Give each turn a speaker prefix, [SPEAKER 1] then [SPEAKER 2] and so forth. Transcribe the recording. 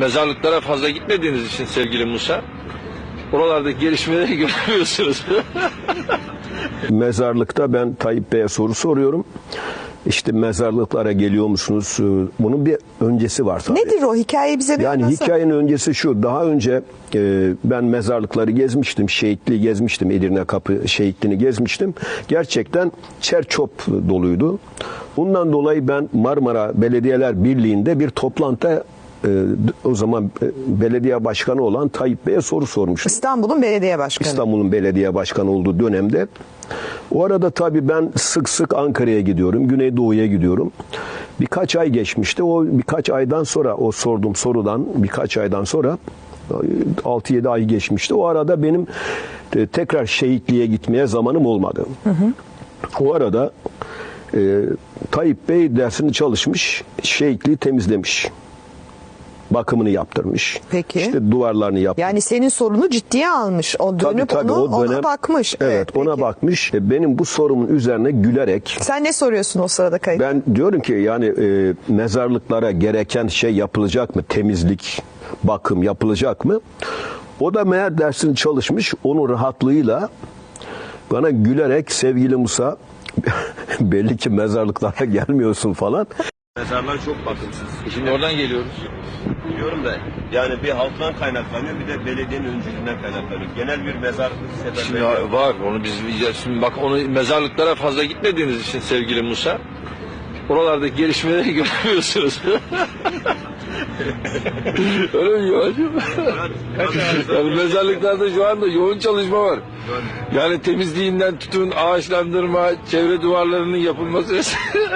[SPEAKER 1] mezarlıklara fazla gitmediğiniz için sevgili Musa, oralardaki gelişmeleri görmüyorsunuz.
[SPEAKER 2] Mezarlıkta ben Tayyip Bey'e soru soruyorum. İşte mezarlıklara geliyor musunuz? Bunun bir öncesi var tabii.
[SPEAKER 3] Nedir o? Hikayeyi bize bir
[SPEAKER 2] Yani
[SPEAKER 3] anlatsana.
[SPEAKER 2] hikayenin öncesi şu. Daha önce ben mezarlıkları gezmiştim. Şehitliği gezmiştim. Edirne Kapı şehitliğini gezmiştim. Gerçekten çer-çöp doluydu. Bundan dolayı ben Marmara Belediyeler Birliği'nde bir toplantıda o zaman belediye başkanı olan Tayyip Bey'e soru sormuştum.
[SPEAKER 3] İstanbul'un belediye başkanı.
[SPEAKER 2] İstanbul'un belediye başkanı olduğu dönemde. O arada tabii ben sık sık Ankara'ya gidiyorum, Güneydoğu'ya gidiyorum. Birkaç ay geçmişti. O birkaç aydan sonra, o sorduğum sorudan birkaç aydan sonra 6-7 ay geçmişti. O arada benim tekrar şehitliğe gitmeye zamanım olmadı. O arada Tayyip Bey dersini çalışmış, şehitliği temizlemiş. Bakımını yaptırmış.
[SPEAKER 3] Peki.
[SPEAKER 2] İşte duvarlarını yaptırmış.
[SPEAKER 3] Yani senin sorunu ciddiye almış. O dönüp
[SPEAKER 2] Tabii,
[SPEAKER 3] ona bakmış.
[SPEAKER 2] Evet, ona
[SPEAKER 3] peki.
[SPEAKER 2] bakmış. Benim bu sorumun üzerine gülerek
[SPEAKER 3] Sen ne soruyorsun o sırada kayıt?
[SPEAKER 2] ben diyorum ki yani mezarlıklara gereken şey yapılacak mı? Temizlik, bakım yapılacak mı? O da meğer dersini çalışmış. Onun rahatlığıyla bana gülerek sevgili Musa belli ki mezarlıklara gelmiyorsun falan. Mezarlar çok bakımsız.
[SPEAKER 1] Şimdi oradan geliyoruz.
[SPEAKER 2] Biliyorum da yani bir halktan kaynaklanıyor bir de belediyenin öncülüğünden kaynaklanıyor. Genel bir mezarlık
[SPEAKER 1] Şimdi var, onu biz şimdi bak, onu mezarlıklara fazla gitmediğiniz için sevgili Musa, oralardaki gelişmeleri görmüyorsunuz. Öyle mi Yoğacığım? Yani mezarlıklarda şu anda yoğun çalışma var. Yani temizliğinden tutun, ağaçlandırma, çevre duvarlarının yapılması.